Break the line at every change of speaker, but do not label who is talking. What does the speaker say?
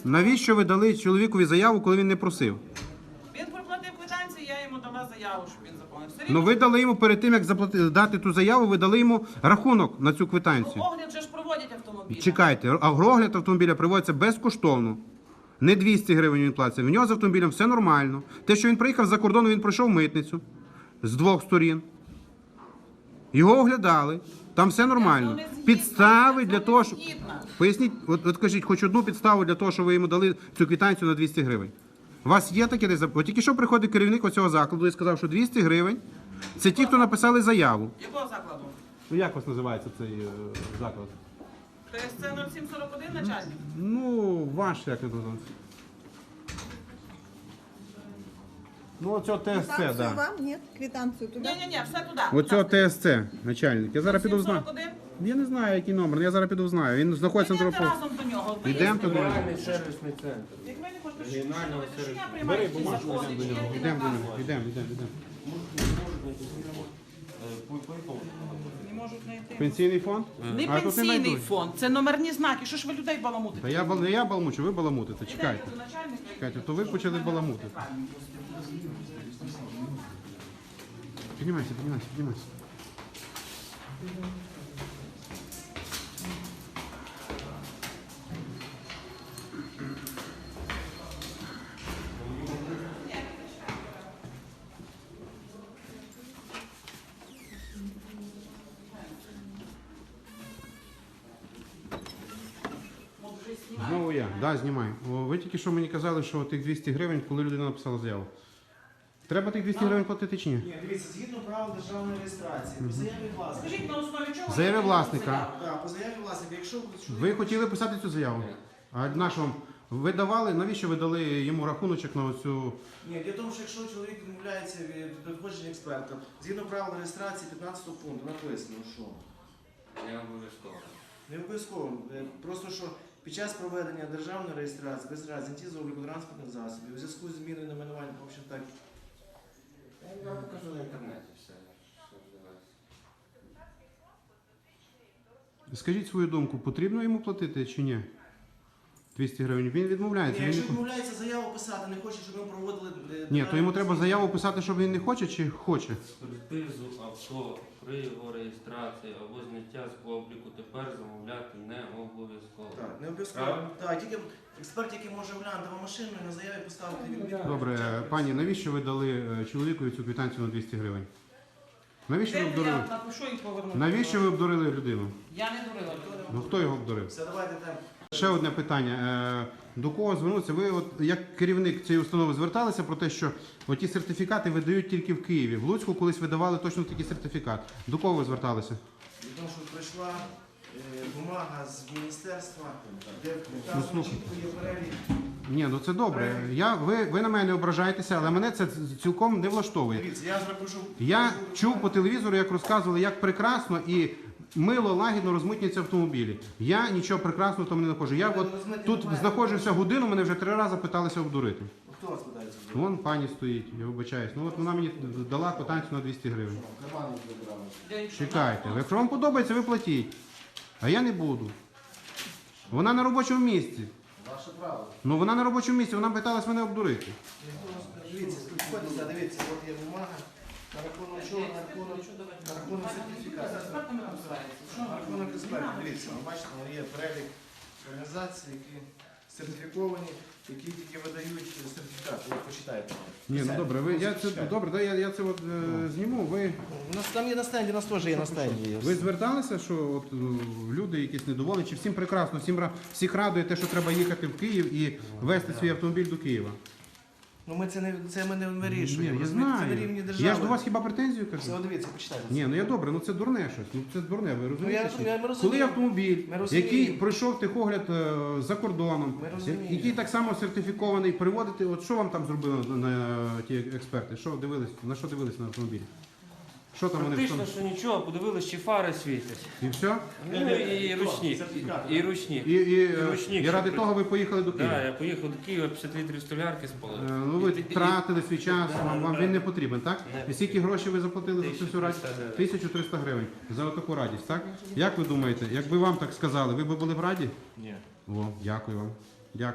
Навіщо ви дали чоловікові заяву, коли він не просив?
Він проплатив квитанцію, я йому дала заяву, щоб він заповнив. Все
Ну
рівно,
ви дали йому перед тим, як дати ту заяву, ви дали йому рахунок на цю квитанцію.
огляд же ж проводять автомобілі.
Чекайте, а огляд автомобіля проводиться безкоштовно. Не 200 гривень він платить. В нього з автомобілем все нормально. Те, що він приїхав за кордону, він пройшов митницю з двох сторін. Його оглядали. Там все нормально. Підстави для того, що... Поясніть, от кажіть, хоч одну підставу для того, що ви йому дали цю квитанцію на 200 гривень. У вас є таке десь? От тільки що приходить керівник оцього закладу і сказав, що 200 гривень – це ті, хто написали заяву.
Якого закладу?
Ну як вас називається цей заклад?
ТСЦ 0741 начальник?
Ну, ваш як називається? Ну, оцього ТСЦ, так.
Квитанцию
Да.
вам? Нет, квитанцию туда?
Ні, все туди.
Оцього ТСЦ, начальник. Я зараз піду знаю.
741?
Я не знаю, який номер, але я зараз піду знаю. Він знаходиться на
Йдемте
телефоні.
разом до нього.
Йдемо туди.
Регіональний сервісний центр.
Як ви не хочете, що
Регіонального
що я
сервісу.
приймаю
Бери
якісь
бумажку,
закони,
йдемо до нього.
чи
Йдемо до
накази?
нього. Йдемо.
Не можуть знайти.
Пенсійний фонд?
Не
А тут
пенсійний
знайдуть.
фонд, це номерні знаки. Що ж ви людей баламутите?
Та я баламучу, ви баламутите. Чекайте.
Йдете до начальника і-
Чекайте, то ви почали баламутити. Піднімайся. Знову я. Да, знімай. Ви тільки що мені казали, що тих 200 гривень, коли людина написала заяву. Треба тих 200 гривень платити чи ні?
Ні, дивіться, згідно правил державної реєстрації, по заяві власника.
Скажіть, на основі чого?
Заяві
ви
власника.
заяву?
Так, по заяві власника, якщо
Ви хотіли писати цю заяву? А нашому ви давали, навіщо ви дали йому рахуночок на оцю...
Ні, для того, що якщо чоловік відмовляється від надходження експерта, згідно правил реєстрації 15 пункту написано, що
Не обов'язково.
не обов'язково, просто що під час проведення державної реєстрації без разниці з обліку транспортних засобів у зв'язку з зміною найменування, в общем так,
Я вам покажу на інтернеті все, що відбувається.
Скажіть свою думку, потрібно йому платити чи ні? 200 гривень. Він відмовляється.
Ні,
Він
якщо
не...
відмовляється заяву писати, не хоче, щоб ми проводили...
Ні, то йому треба заяву писати, щоб він не хоче чи хоче?
Експертизу авто при його реєстрації або зняття з обліку тепер замовляти не обов'язково.
Так, не обов'язково.
Правильно?
Так, тільки експерт, який може оглянути вам машину і на заяві поставити відмітку.
Добре, пані, навіщо ви дали чоловікові цю квитанцію на 200 гривень? Навіщо ви
Де
обдурили?
я напишу і поверну.
Навіщо ви обдурили людину?
Я не дурила людину.
Ну хто його обдурив?
Все, давайте там.
Ще одне питання. До кого звернутися? Ви от як керівник цієї установи зверталися про те, що ті сертифікати видають тільки в Києві. В Луцьку колись видавали точно такий сертифікат. До кого ви зверталися?
Від того, що прийшла бумага з міністерства, де
Ну,
там
слухай.
чітко є перелік.
Ні, ну це добре. Ви на мене не ображаєтеся, але мене це цілком не влаштовує.
Дивіться, я зараз пишу.
Я чув по телевізору, як розказували, як прекрасно і мило, лагідно розмитнюються автомобілі. Я нічого прекрасного там не знаходжу. Я от тут знаходжуся годину, мене вже 3 рази питалися обдурити.
Хто вас питається?
Вон пані стоїть, я вибачаюсь. Ну от вона мені дала квитанцію на 200 гривень.
Кармани забирали.
Я їх що,
Чекайте, якщо вам подобається, ви платіть. А я не буду. Вона на робочому місці.
Ваше право.
Ну вона на робочому місці, вона питалась мене обдурити.
Дивіться, підходьте, дивіться, от є бумага. На рахунок чого? На рахунок сертифікату.
експертами там збирається? Що?
На рахунок експертів. Дивіться, ви бачите, є перелік організацій, які сертифіковані, які тільки видають сертифікат. Ви почитайте.
Ні, ну добре, добре, я це от зніму.
У нас там є на стенді, у нас теж є на стенді.
Ви зверталися, що от люди якісь недоволені, чи всім прекрасно, всіх радує те, що треба їхати в Київ і везти свій автомобіль до Києва?
Ну ми не вирішуємо.
Ні, я
розумієте, Це на
знаю.
рівні держави.
Я ж до вас хіба претензію кажу?
Все, дивіться, почитайте.
Ні, ну я добре, ну це дурне щось. Ну це дурне, ви розумієте?
ми розуміємо.
Коли автомобіль,
Ми розуміємо.
який пройшов техогляд за кордоном,
Ми розуміємо.
який так само сертифікований, приводити, от що вам там зробили на ті експерти? Що дивились, на що дивились на автомобілі? Що там вони
Практично, що нічого, подивились, чи фари світять.
І все?
Ну і ручник. І ручник.
І ради того ви поїхали до Києва?
Так, я поїхав до Києва, 50 літрів столярки спалив.
Ну ви тратили свій час, вам він не потрібен, так?
Не.
І скільки грошей ви заплатили за цю всю радість? 1300 гривень за таку радість, так? Як ви думаєте, якби вам так сказали, ви б були б раді?
Ні.
О, дякую вам. Дякую.